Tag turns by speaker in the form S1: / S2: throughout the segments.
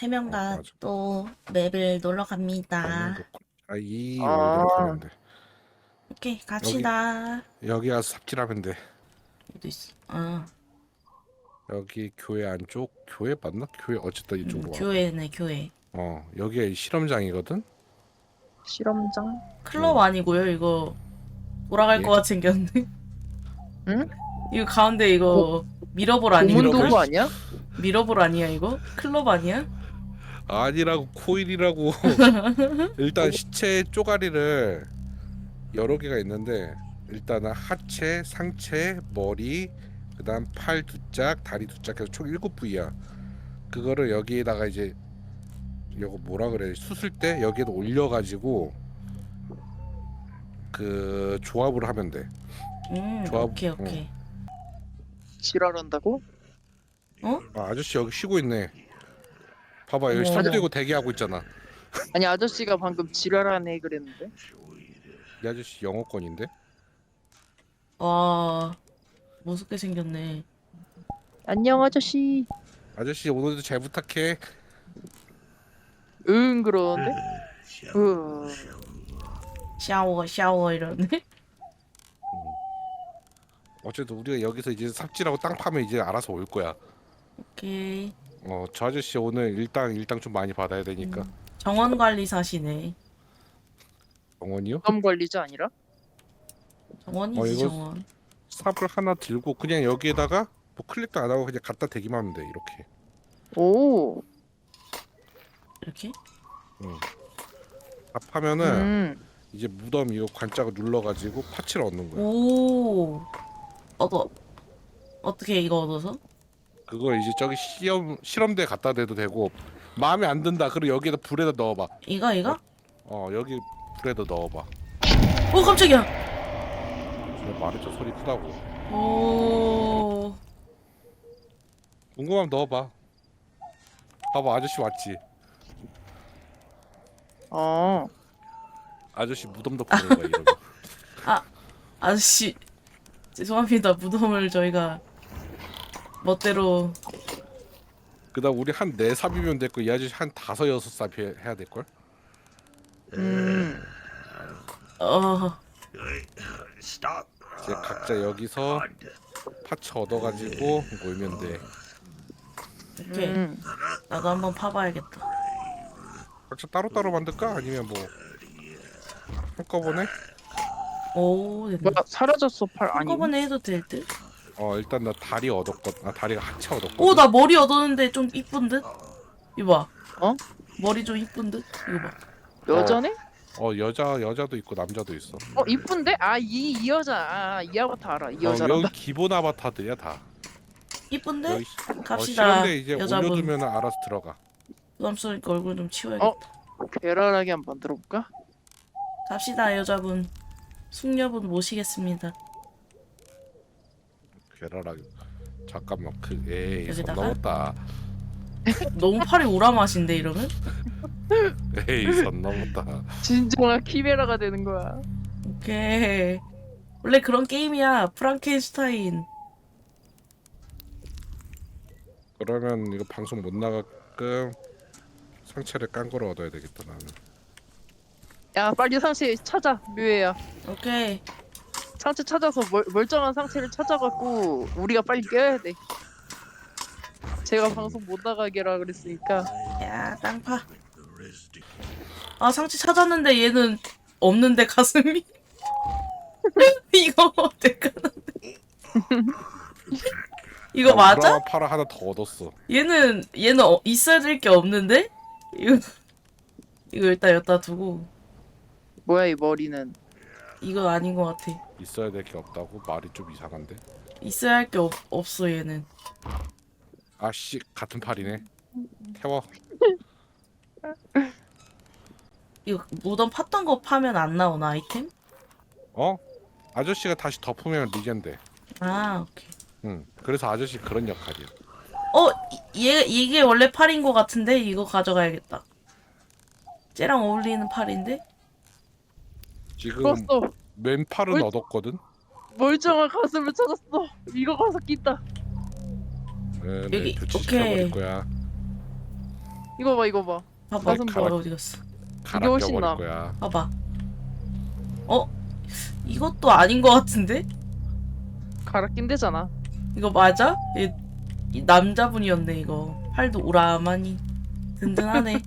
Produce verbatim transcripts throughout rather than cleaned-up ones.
S1: 세 명과
S2: 맞아.
S1: 또 맵을 놀러 갑니다.
S2: 가면 아이
S3: 아.
S2: 여기로 가면 돼.
S1: 오케이, 갑시다.
S2: 여기 가서 삽질하면 돼.
S1: 어디 있어? 아,
S2: 여기 교회 안쪽 교회 맞나? 교회 어쨌든
S1: 음,
S2: 이쪽으로 와.
S1: 교회네, 교회.
S2: 어 여기가 실험장이거든.
S3: 실험장?
S1: 클럽
S2: 음.
S1: 아니고요, 이거. 돌아갈
S2: 예?
S1: 것 같이 생겼네.
S3: 응?
S1: 이거 가운데 이거 미러볼 아니야?
S3: 고문도구 아니야?
S1: 미러볼 아니야, 이거? 클럽 아니야?
S2: 아니라고 코일이라고. 일단 시체 쪼가리를 여러 개가 있는데 일단은 하체, 상체, 머리, 그다음 팔 두 짝, 다리 두 짝 해서 총 일곱 부위야. 그거를 여기에다가 이제 이거 뭐라 그래 수술 때 여기에다 올려가지고 그 조합을 하면 돼.
S1: 음,
S2: 조합-
S1: 오케이, 오케이.
S3: 지랄한다고?
S1: 어?
S2: 아, 아저씨 여기 쉬고 있네. 봐봐 여기
S1: 어머.
S2: 손 들고 대기하고 있잖아.
S3: 아니 아저씨가 방금 지랄하네 그랬는데.
S2: 이 아저씨 영어권인데?
S1: 와, 무섭게 생겼네.
S3: 안녕 아저씨.
S2: 아저씨 오늘도 잘 부탁해.
S3: 응 그러는데? 으.
S1: 샤워, 샤워 이러네.
S2: 어쨌든 우리가 여기서 이제 삽질하고 땅 파면 이제 알아서 올 거야.
S1: 오케이.
S2: 어, 저 아저씨 오늘 일당 일당 좀 많이 받아야 되니까.
S1: 정원 관리사시네.
S2: 영원이요?
S3: 부담 관리자 아니라?
S1: 정원이지,
S2: 어, 이거-
S1: 정원.
S2: 삽을 하나 들고 그냥 여기에다가 뭐 클릭도 안 하고 그냥 갖다 대기만 하면 돼 이렇게.
S3: 오.
S1: 이렇게?
S2: 삽 하면은
S3: 음.
S2: 이제 무덤 이거 관짝을 눌러가지고 파츠를 얻는 거야.
S1: 오. 얻어. 어떻게 이거 얻어서?
S2: 그걸 이제 저기 시험 실험대 갖다 대도 되고 마음에 안 든다. 그럼 여기에다 불에다 넣어봐.
S1: 이거, 이거?
S2: 어 여기 불에다 넣어봐.
S1: 오, 깜짝이야.
S2: 제가 말했죠 소리 크다고.
S1: 오.
S2: 궁금하면 넣어봐. 봐봐 아저씨 왔지.
S3: 어.
S2: 아저씨 무덤 덮는 거야 이러면.
S1: 아저씨. 죄송합니다. 무덤을 저희가 멋대로.
S2: 그다음 우리 한 네 삽이면 됐고 이 아저씨 한 다섯 여섯 삽 해- 해야 될 걸?
S3: 음.
S1: 어.
S2: 이제 각자 여기서 파츠 얻어가지고 모이면 돼.
S1: 오케이.
S3: 음.
S1: 나도 한번 파봐야겠다.
S2: 각자 따로따로 만들까? 아니면 뭐 한꺼번에?
S1: 오, 됐네.
S3: 뭐야 사라졌어 팔 아니.
S1: 한꺼번에 해도 될 듯?
S2: 어 일단 나 다리 얻었거든. 아 다리가 하체 얻었거든.
S1: 오, 나 머리 얻었는데 좀 이쁜 듯? 이거 봐.
S3: 어?
S1: 머리 좀 이쁜 듯? 이거 봐.
S3: 여자네?
S2: 어 여자 여자도 있고 남자도 있어.
S3: 어 이쁜데? 아 이 이 여자. 아, 이 아바타 알아. 이
S2: 어,
S3: 여자라.
S2: 여기 기본 아바타들이야 다.
S1: 이쁜데?
S2: 여기
S1: 갑시다.
S2: 어, 실험대 이제
S1: 여자분.
S2: 올려두면 알아서 들어가.
S1: 부담스러우니까 얼굴 좀 치워야겠다.
S3: 어? 계란하게 한번 들어볼까?
S1: 갑시다, 여자분. 숙녀분 모시겠습니다.
S2: 괴랄하게. 잠깐만 그 에이 선
S1: 여기다가?
S2: 넘었다.
S1: 너무 팔이 오라맛인데, 이러면?
S2: 에이 선 넘었다.
S3: 진정한 키메라가 되는 거야.
S1: 오케이. 원래 그런 게임이야. 프랑켄슈타인.
S2: 그러면 이거 방송 못 나가끔 상체를 깐 거로 얻어야 되겠다 나는.
S3: 야 빨리 상체 찾아 묘해야.
S1: 오케이.
S3: 상체 찾아서 멀, 멀쩡한 상체를 찾아갖고 우리가 빨리 깨야 돼. 제가 방송 못 나가게라 그랬으니까.
S1: 야, 땅파. 아, 상체 찾았는데 얘는 없는데, 가슴이? 이거 어떡하는데? 이거 맞아?
S2: 우라마 파라 하나 더 얻었어.
S1: 얘는 얘는 어, 있어야 될 게 없는데? 이거 이거 일단 여기다 두고
S3: 뭐야 이 머리는.
S1: 이거 아닌 것 같아.
S2: 있어야 될 게 없다고 말이 좀 이상한데.
S1: 있어야 할 게 없어 얘는.
S2: 아씨 같은 팔이네. 태워.
S1: 이거 무덤 팠던 거 파면 안 나오나 아이템?
S2: 어? 아저씨가 다시 덮으면 리젠데.
S1: 아 오케이.
S2: 응. 그래서 아저씨 그런 역할이야.
S1: 어? 이- 얘 이게 원래 팔인 것 같은데 이거 가져가야겠다. 쟤랑 어울리는 팔인데?
S2: 지금
S3: 풀었어.
S2: 왼팔은
S3: 뭘-
S2: 얻었거든.
S3: 멀쩡한 가슴을 찾았어. 이거 가서 끼다.
S2: 네,
S1: 여기,
S2: 네, 교체
S1: 오케이.
S2: 시켜버릴 거야.
S3: 이거 봐 이거 봐.
S1: 봐봐.
S3: 가슴
S2: 가라-
S1: 머리 어디 갔어?
S2: 갈아
S3: 훨씬
S2: 껴버릴
S3: 나아.
S2: 거야.
S1: 봐봐. 어? 이것도 아닌 것 같은데?
S3: 갈아 낀대잖아.
S1: 이거 맞아? 이, 이 남자분이었네 이거. 팔도 우라마니 든든하네.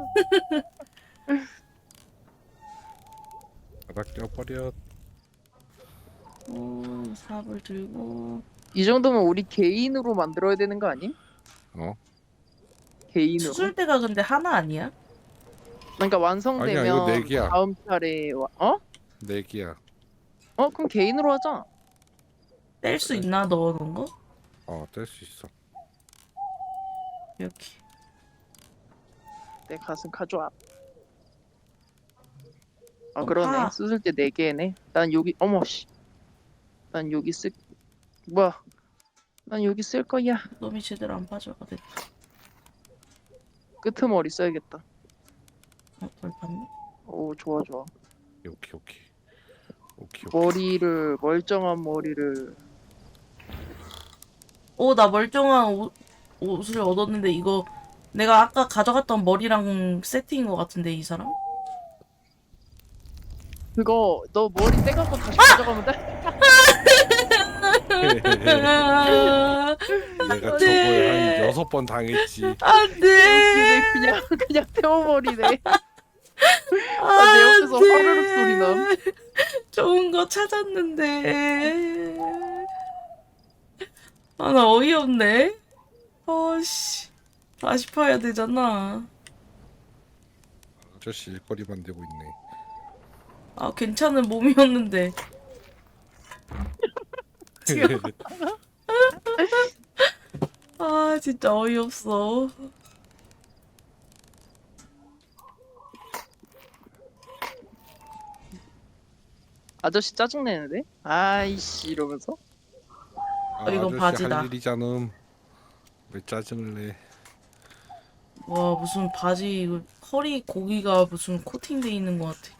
S2: 갈아 껴버려.
S1: 오, 삽을 들고.
S3: 이 정도면 우리 개인으로 만들어야 되는 거 아니?
S2: 어?
S3: 개인으로.
S1: 수술대가 근데 하나 아니야?
S3: 그러니까 완성되면
S2: 아니야, 이거 네 개야.
S3: 다음 차례 와... 어?
S2: 내기야.
S3: 어 그럼 개인으로 하자.
S1: 뗄 수 있나 넣어놓은 거?
S2: 어, 뗄 수 있어.
S1: 이렇게.
S3: 내 가슴 가져와. 아
S1: 어,
S3: 그러네.
S1: 파.
S3: 수술 때 네 개네. 난 여기 어머 씨. 난 여기 쓸 뭐야? 난 여기 쓸 거야.
S1: 놈이 제대로 안 빠져가 됐다.
S3: 끄트머리 써야겠다.
S1: 어, 덜 봤네?
S3: 오 좋아 좋아.
S2: 오케이, 오케이. 오케이, 오케이.
S3: 머리를 멀쩡한 머리를
S1: 오, 나 멀쩡한 옷, 옷을 얻었는데 이거 내가 아까 가져갔던 머리랑 세팅인 것 같은데 이 사람?
S3: 그거 너 머리 떼갖고 다시 가져가면 돼?
S2: 내가 저거에 한 여섯 번 당했지.
S1: 안돼.
S3: 근데 그냥 그냥 태워버리네. 아, 내 옆에서 화르륵 소리 나.
S1: 좋은 거 찾았는데. 아, 나 어이없네. 어씨. 다시 파야 되잖아.
S2: 아저씨 일거리만 되고 있네.
S1: 아, 괜찮은 몸이었는데. 아, 진짜 어이없어.
S3: 아저씨 짜증내는데? 아이씨 이러면서
S2: 아,
S1: 이건
S2: 아저씨
S1: 바지다.
S2: 할 일이잖음. 왜 짜증을 내?
S1: 와, 무슨 바지, 이거 허리 고기가 무슨 코팅돼 있는 것 같아.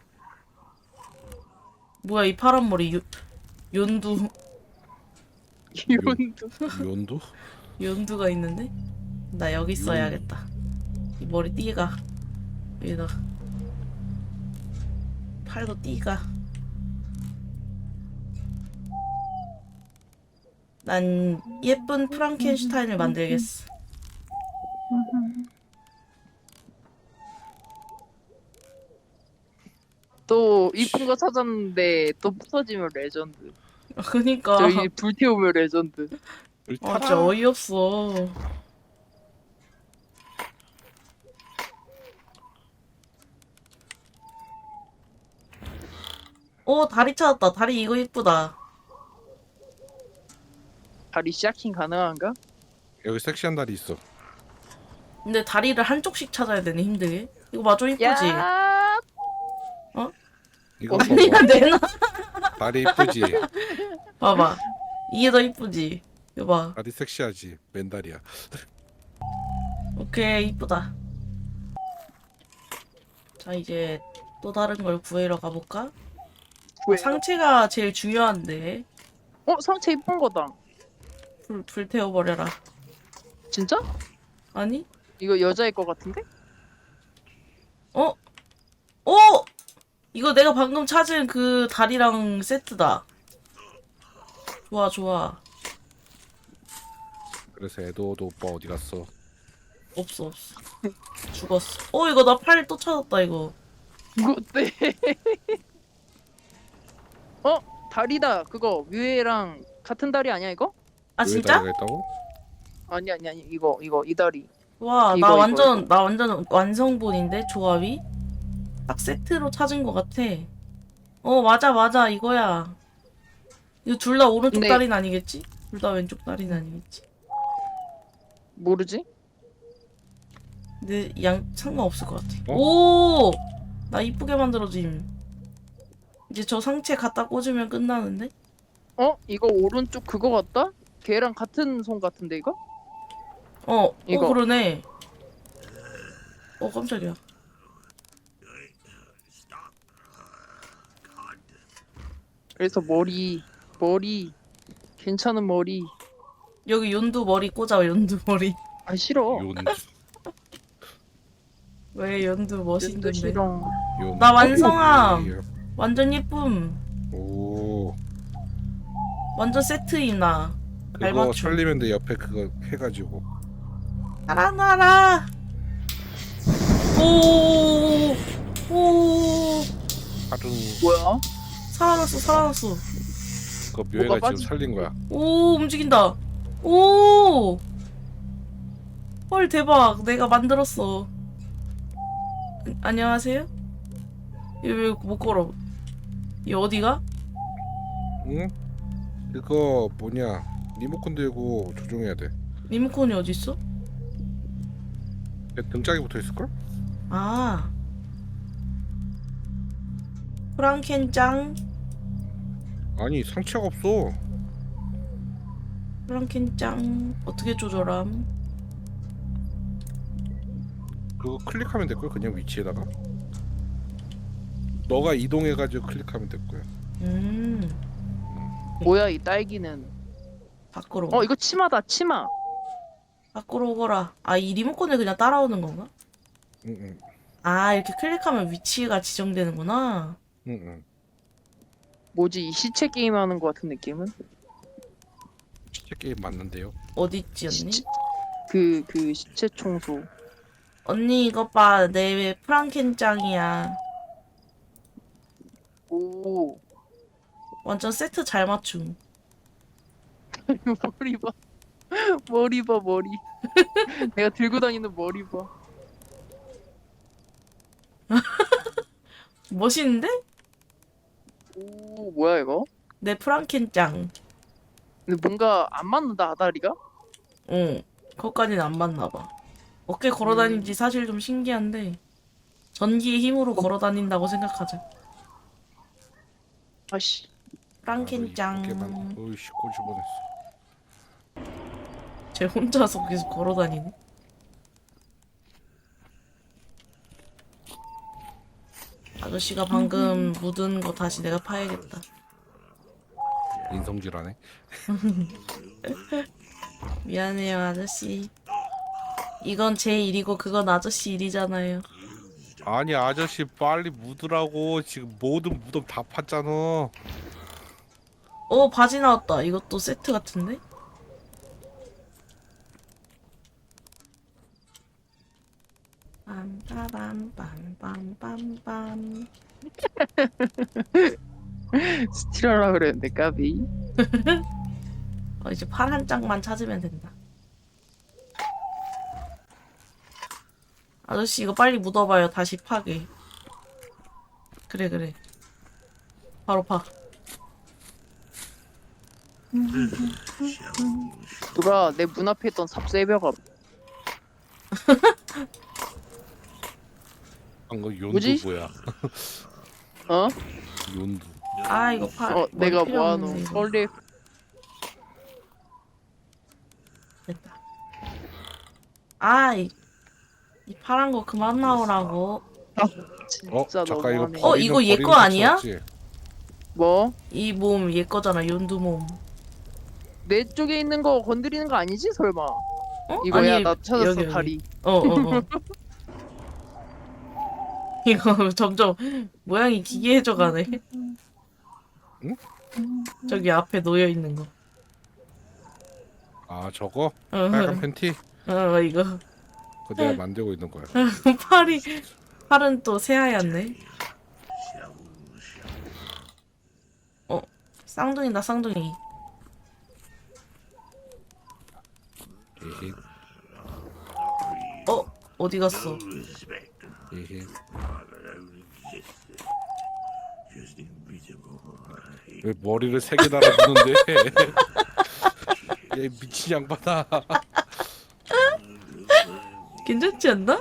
S1: 뭐야, 이 파란 머리, 요, 연두,
S3: 이혼도
S2: 연도?
S1: 연두가 있는데? 나 여기 써야겠다. 이 머리 띠가. 여기다. 팔도 띠가. 난 예쁜 프랑켄슈타인을 만들겠어.
S3: 또 이쁜 거 찾았는데 또 부서지면 레전드.
S1: 그니까.
S3: 저기 불태우면 레전드.
S1: 아, 진짜 어이없어. 오, 다리 찾았다. 다리 이거 이쁘다.
S3: 다리 샤킹 가능한가?
S2: 여기 섹시한 다리 있어.
S1: 근데 다리를 한쪽씩 찾아야 되네, 힘들게. 이거 마저 이쁘지?
S3: 야,
S2: 이거
S1: 아니야,
S2: 봐봐.
S1: 내놔.
S2: 다리 이쁘지?
S1: 봐봐. 이게 더 이쁘지? 이거 봐.
S2: 다리 섹시하지? 맨다리야.
S1: 오케이, 이쁘다. 자, 이제 또 다른 걸 구해러 가볼까?
S3: 왜?
S1: 상체가 제일 중요한데.
S3: 어 상체 이쁜 거다.
S1: 불, 불 태워버려라.
S3: 진짜?
S1: 아니?
S3: 이거 여자일 것 같은데?
S1: 어? 오! 이거 내가 방금 찾은 그 다리랑 세트다. 좋아, 좋아.
S2: 그래서 에드워드 오빠 어디 갔어?
S1: 없어, 없어. 죽었어. 어, 이거 나 팔 또 찾았다, 이거.
S3: 이거 어때? 어 다리다. 그거 뮤에랑 같은 다리 아니야 이거?
S1: 아,
S2: 왜
S1: 진짜?
S2: 다리가 있다고?
S3: 아니 아니 아니 이거 이거 이 다리.
S1: 와,
S3: 이거,
S1: 나
S3: 이거,
S1: 완전,
S3: 이거.
S1: 나 완전 완성본인데, 조합이? 딱 세트로 찾은 것 같아. 어, 맞아, 맞아, 이거야. 이거 둘 다 오른쪽
S3: 근데-
S1: 다리는 아니겠지? 둘 다 왼쪽 다리는 아니겠지?
S3: 모르지?
S1: 근데 양, 상관없을 것 같아.
S2: 어?
S1: 오! 나 이쁘게 만들어짐. 이제 저 상체 갖다 꽂으면 끝나는데?
S3: 어 이거 오른쪽 그거 같다? 걔랑 같은 손 같은데 이거?
S1: 어,
S3: 이거.
S1: 어, 그러네. 어, 깜짝이야.
S3: 그래서 머리 머리 괜찮은 머리.
S1: 여기 연두 머리 꽂아, 연두 머리.
S3: 아 싫어.
S2: 연두.
S1: 왜 연두
S3: 연두
S1: 멋있는데?
S3: 싫어.
S2: 요-
S1: 나 완성함.
S2: 오,
S1: 완전 예쁨.
S2: 오
S1: 완전 세트임 나. 잘
S2: 그거
S1: 맞춤.
S2: 설리면 돼. 옆에 그거 해가지고.
S1: 나라 나라. 오. 오.
S2: 하루
S3: 뭐야?
S1: 살아났어 살아났어.
S2: 그거 묘해가
S3: 뭐가
S2: 지금 살린 거야.
S1: 오 움직인다. 오. 헐 대박. 내가 만들었어. 안녕하세요? 얘 왜 못 걸어? 얘 어디가?
S2: 응? 그거 뭐냐? 리모컨 들고 조종해야 돼.
S1: 리모컨이 어디 있어?
S2: 내 등짝에 붙어 있을 걸?
S1: 아. 프랑켄짱.
S2: 아니 상체가 없어.
S1: 프랑켄짱. 어떻게 조절함?
S2: 그거 클릭하면 될 걸. 그냥 위치에다가. 너가 이동해가지고 클릭하면 될 거야.
S1: 음.
S3: 뭐야 이 딸기는?
S1: 밖으로.
S3: 어 이거 치마다 치마.
S1: 밖으로 오거라. 아, 이 리모컨을 그냥 따라오는 건가?
S2: 응응
S1: 아, 이렇게 클릭하면 위치가 지정되는구나.
S2: 응응.
S3: 뭐지 이 시체 게임 하는 거 같은 느낌은?
S2: 시체 게임 맞는데요.
S1: 어디 있지, 언니?
S3: 시체 그 그 시체 청소.
S1: 언니, 이것 봐. 내 프랑켄짱이야.
S3: 오
S1: 완전 세트 잘 맞춤.
S3: 머리 봐. 머리 봐 머리. 내가 들고 다니는 머리 봐.
S1: 멋있는데?
S3: 오 뭐야 이거?
S1: 내 프랑켄짱.
S3: 근데 뭔가 안 맞는다 아다리가?
S1: 응. 그것까지는 안 맞나 봐. 어깨 걸어 다니지 사실 좀 신기한데 전기의 힘으로 걸어 다닌다고 생각하자.
S3: 아씨.
S1: 프랑켄짱.
S2: 어이씨 꼬집 뻔했어.
S1: 쟤 혼자서 계속 걸어 다니네. 아저씨가 방금 묻은 거 다시 내가 파야겠다.
S2: 인성질하네.
S1: 미안해요, 아저씨. 이건 제 일이고 그건 아저씨 일이잖아요.
S2: 아니 아저씨 빨리 묻으라고. 지금 모든 무덤 다 팠잖아.
S1: 어, 바지 나왔다. 이것도 세트 같은데? 빰빠밤빰빰빰빰.
S3: 스틸하라 그랬는데 까비.
S1: 어, 이제 팔 한 짝만 찾으면 된다. 아저씨 이거 빨리 묻어봐요. 다시 파게. 그래 그래. 바로 파.
S3: 누가 내 문 앞에 있던 삽세벼가
S2: 방금 용두
S3: 뭐지?
S2: 뭐야?
S3: 어?
S2: 용두.
S1: 아 이거 파.
S3: 어 내가
S1: 필요
S3: 모아놓은
S1: 없는데, 이거.
S3: 설레.
S1: 됐다. 아, 이, 이 파란 거 그만 나오라고.
S2: 어
S3: 진짜
S2: 잠깐 이거
S3: 너무하네.
S1: 어,
S2: 버리는-
S1: 이거 얘
S2: 버리는
S1: 거
S2: 패치
S1: 아니야?
S2: 없지?
S3: 뭐?
S1: 이 몸 얘 거잖아. 연두 몸.
S3: 내 쪽에 있는 거 건드리는 거 아니지 설마?
S1: 어?
S3: 이거야
S1: 아니,
S3: 나 찾았어
S1: 여기, 여기.
S3: 다리.
S1: 어, 어, 어. 이거 점점 모양이 기괴해져 가네.
S2: 응?
S1: 저기 앞에 놓여 있는 거.
S2: 아 저거
S1: 어,
S2: 빨간 팬티
S1: 어, 이거.
S2: 그거 내가 만들고 있는 거야.
S1: 팔이 팔은 또 새하얗네. 어, 쌍둥이다 쌍둥이.
S2: 에헤
S1: 어, 어디 갔어?
S2: 에헤. 왜 머리를 세 개 달아주는데? 얘 미친 양반아.
S1: 괜찮지 않나?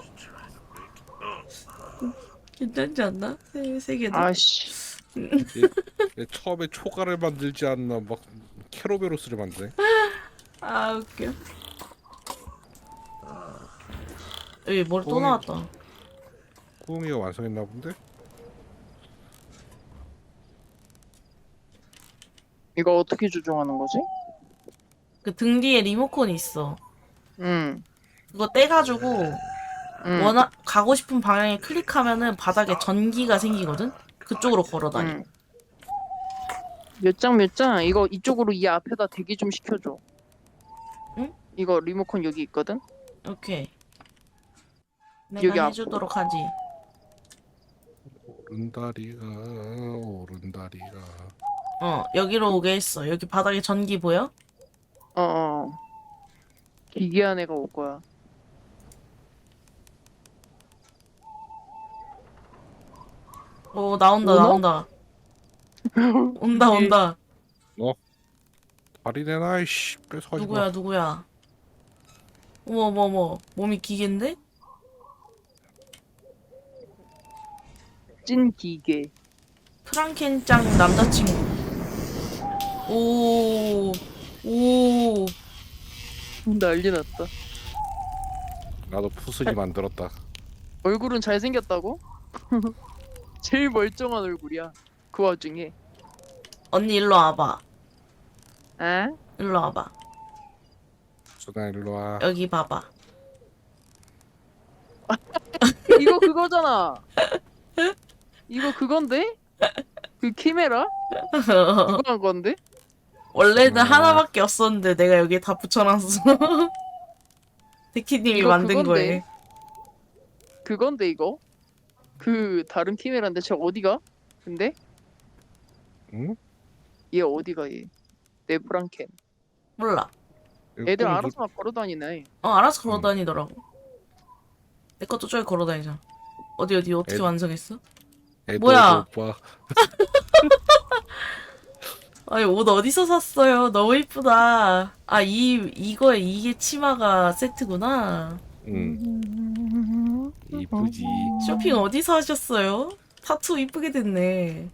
S1: 괜찮지 않나? 세, 세 개다.
S3: 아씨.
S2: 얘, 얘 처음에 초가를 만들지 않나 막 캐로베로스를 만드네.
S1: 아 웃겨. 여기 머리 또
S2: 꼬맹이.
S1: 나왔다.
S2: 꾸미가 완성했나 본데?
S3: 이거 어떻게 조종하는 거지?
S1: 그 등 뒤에 리모컨이 있어.
S3: 응.
S1: 그거 떼가지고
S3: 응.
S1: 원하 가고 싶은 방향에 클릭하면은 바닥에 전기가 생기거든. 그쪽으로 걸어다니.
S3: 응. 몇 장 몇 장 이거 이쪽으로 이 앞에다 대기 좀 시켜줘.
S1: 응?
S3: 이거 리모컨 여기 있거든.
S1: 오케이.
S3: 여기
S1: 내가
S3: 앞으로.
S1: 해주도록 하지.
S2: 오른다리가 오른다리가.
S1: 어 여기로 오게 했어. 여기 바닥에 전기 보여?
S3: 어. 어. 기괴한 애가 올 거야.
S1: 오 나온다
S3: 오나?
S1: 나온다. 온다 온다.
S2: 다리 내놔 이씨 뺏어가지
S1: 누구야
S2: 마.
S1: 누구야? 어머 어머 어머 몸이 기계인데?
S3: 찐 기계.
S1: 프랑켄짱 남자친구. 오, 오,
S3: 난리 났다.
S2: 나도 푸슬이 만들었다.
S3: 얼굴은 잘생겼다고? 제일 멀쩡한 얼굴이야. 그 와중에.
S1: 언니 일로 와봐.
S3: 에?
S1: 일로 와봐.
S2: 수나 일로 와.
S1: 여기 봐봐.
S3: 이거 그거잖아. 이거 그건데? 그 키메라? 누가 한 건데?
S1: 원래는
S2: 아.
S1: 하나밖에 없었는데 내가 여기 다 붙여놨어. 데키님이
S3: 이거
S1: 만든
S3: 그건데.
S1: 거에.
S3: 그건데 이거? 그 다른 키메라인데 저 어디가? 근데?
S2: 응?
S3: 얘 어디가 얘? 내 프랑켄.
S1: 몰라.
S3: 애들
S2: 이거
S3: 알아서 막 걸어다니네.
S1: 어 알아서
S2: 음.
S1: 걸어다니더라고. 내 것도 저기 걸어다니잖아. 어디 어디 어떻게
S2: 애-
S1: 완성했어?
S2: 애도
S1: 뭐야?
S2: 오빠.
S1: 아니 옷 어디서 샀어요? 너무 이쁘다. 아 이 이거에 이게 치마가 세트구나.
S2: 응. 이쁘지.
S1: 쇼핑 어디서 하셨어요? 타투 이쁘게 됐네.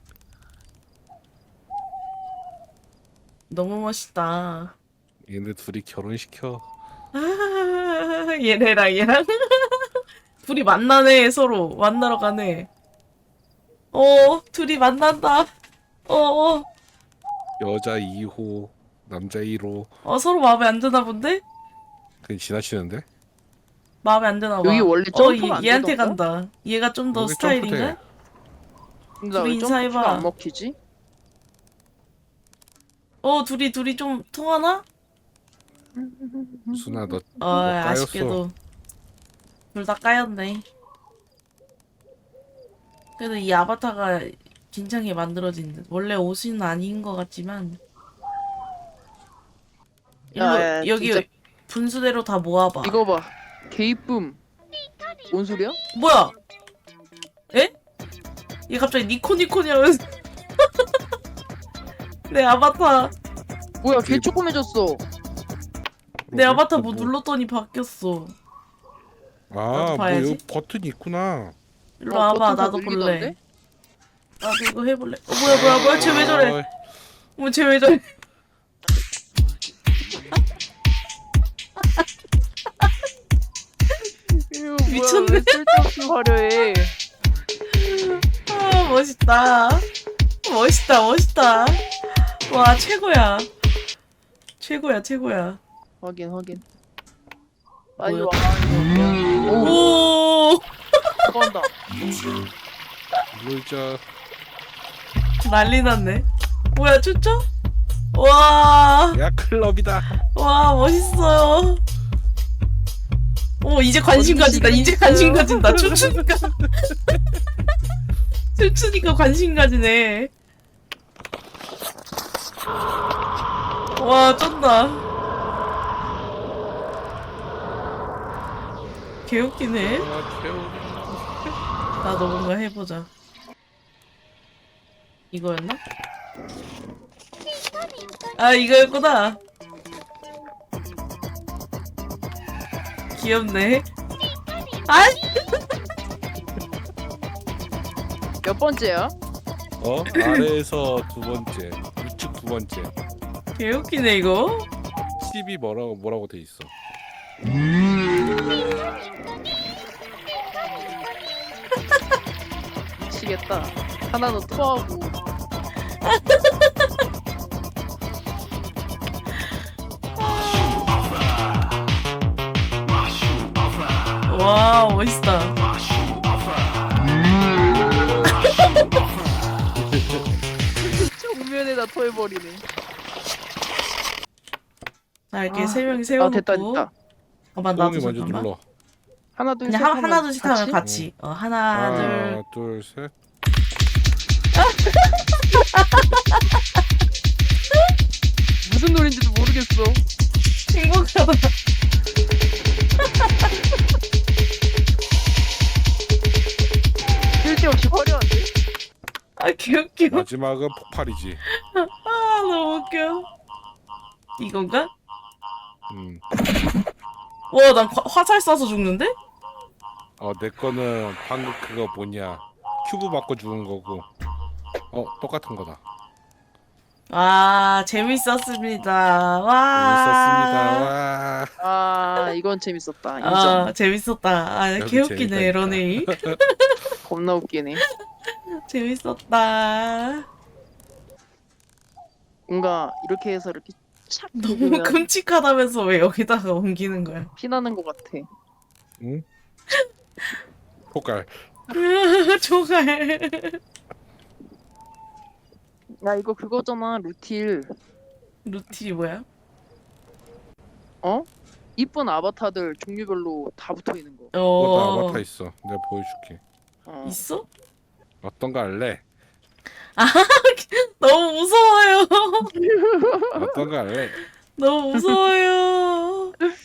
S1: 너무 멋있다.
S2: 얘네 둘이 결혼시켜.
S1: 아, 얘네랑 얘랑 둘이 만나네. 서로 만나러 가네. 어 둘이 만난다. 어, 어,
S2: 여자 이 호, 남자 일 호.
S1: 어 서로 마음에 안 드나 본데?
S2: 그냥 지나치는데?
S1: 마음에 안 드나 봐.
S3: 여기 원래
S1: 어
S3: 점프가 안
S1: 얘, 얘한테
S3: 되던가?
S1: 간다. 얘가 좀 더
S2: 여기
S1: 스타일인가?
S2: 점프돼.
S3: 근데 나
S1: 둘이
S3: 왜 점프가
S1: 인사해봐.
S3: 안 먹히지?
S1: 어 둘이 둘이 좀 통하나?
S2: 수나 너
S1: 어
S2: 까였어.
S1: 아쉽게도 둘 다 까였네. 그래도 이 아바타가 괜찮게 만들어진 듯. 원래 옷은 아닌 것 같지만 일로
S3: 야, 야,
S1: 여기
S3: 진짜.
S1: 분수대로 다 모아봐.
S3: 이거 봐. 개이쁨. 뭔 소리야?
S1: 뭐야? 에? 얘 갑자기 니코니코니 하면서 내 아바타
S3: 뭐야 개 조그매졌어.
S1: 내 아바타 뭐 눌렀더니 바뀌었어.
S2: 아,
S1: 나도
S2: 뭐
S1: 봐야지.
S2: 여기 버튼이 있구나.
S1: 일로
S3: 어,
S1: 와봐.
S3: 버튼 다
S1: 나도 볼래.
S3: 눌리던데?
S1: 나도 이거 해볼래. 어 뭐야 뭐야 뭐야 쟤 왜 저래?
S2: 어이,
S1: 뭐 쟤 왜 저래?
S3: 이거
S1: 미쳤네.
S3: 뭐야, 왜 쓸데없이 화려해.
S1: 아 멋있다. 멋있다 멋있다. 와 최고야. 최고야 최고야.
S3: 확인 확인. 빨리
S1: 뭐야?
S3: 와. 오,
S1: 오
S3: 들어간다.
S2: 놀자.
S1: 난리 났네. 뭐야 춤춰? 와,
S2: 야 클럽이다.
S1: 와 멋있어요. 오 이제 관심 가진다. 이제 관심 가진다. 춤추니까 춤추니까 관심 가지네. 와 쩐다. 개웃기네.
S2: 아, 태우리.
S1: 나도 뭔가 해보자. 이거였나? 아 이거였구나. 귀엽네. 아
S3: 몇 번째야?
S2: 어? 아래에서 두 번째, 우측 두 번째.
S1: 개웃기네 이거.
S2: 십이 뭐라고 뭐라고 돼 있어.
S3: 미치겠다. 하나는 토하고.
S1: 와 멋있다.
S3: 정면에다 토해버리네.
S1: 자 이렇게
S3: 아,
S1: 세 명이
S3: 아
S1: 세워놓고.
S3: 됐다 됐다.
S1: 잠깐만 나도
S2: 소음이 먼저
S1: 잠깐만.
S2: 눌러.
S3: 하나 둘 셋
S1: 그냥 하,
S3: 하면
S1: 하나 둘씩 하면
S3: 같이?
S1: 같이. 어 하나 둘.
S2: 하나, 둘, 셋.
S3: 무슨 노래인지도 모르겠어.
S1: 행복하다.
S3: 쓸데없이 화려한데?
S1: 아 개웃겨.
S2: 마지막은 폭발이지.
S1: 아 너무 웃겨. 이건가?
S2: 음.
S1: 와 난 화살 쏴서 죽는데?
S2: 어, 내 거는 방금 그거 뭐냐. 큐브 맞고 죽은 거고. 어, 똑같은 거다.
S1: 와 재밌었습니다. 와.
S2: 재밌었습니다. 와.
S3: 아 이건 재밌었다. 인정.
S1: 아 재밌었다. 아
S2: 여기
S1: 개웃기네
S2: 재밌다니까.
S1: 러네이.
S3: 겁나 웃기네.
S1: 재밌었다.
S3: 뭔가 이렇게 해서 이렇게 착
S1: 너무
S3: 누르면
S1: 끔찍하다면서 왜 여기다가 옮기는 거야?
S3: 피나는 것 같아.
S2: 응? 폭발.
S1: 조갈.
S3: 야 이거 그거잖아 루틸.
S1: 루티 뭐야?
S3: 어? 이쁜 아바타들 종류별로 다 붙어 있는 거.
S2: 그거 다
S1: 어
S2: 아바타 있어. 내가 보여줄게.
S3: 어.
S1: 있어?
S2: 어떤 거 할래?
S1: 너무 무서워요.
S2: 어떤 거 할래?
S1: 너무 무서워요.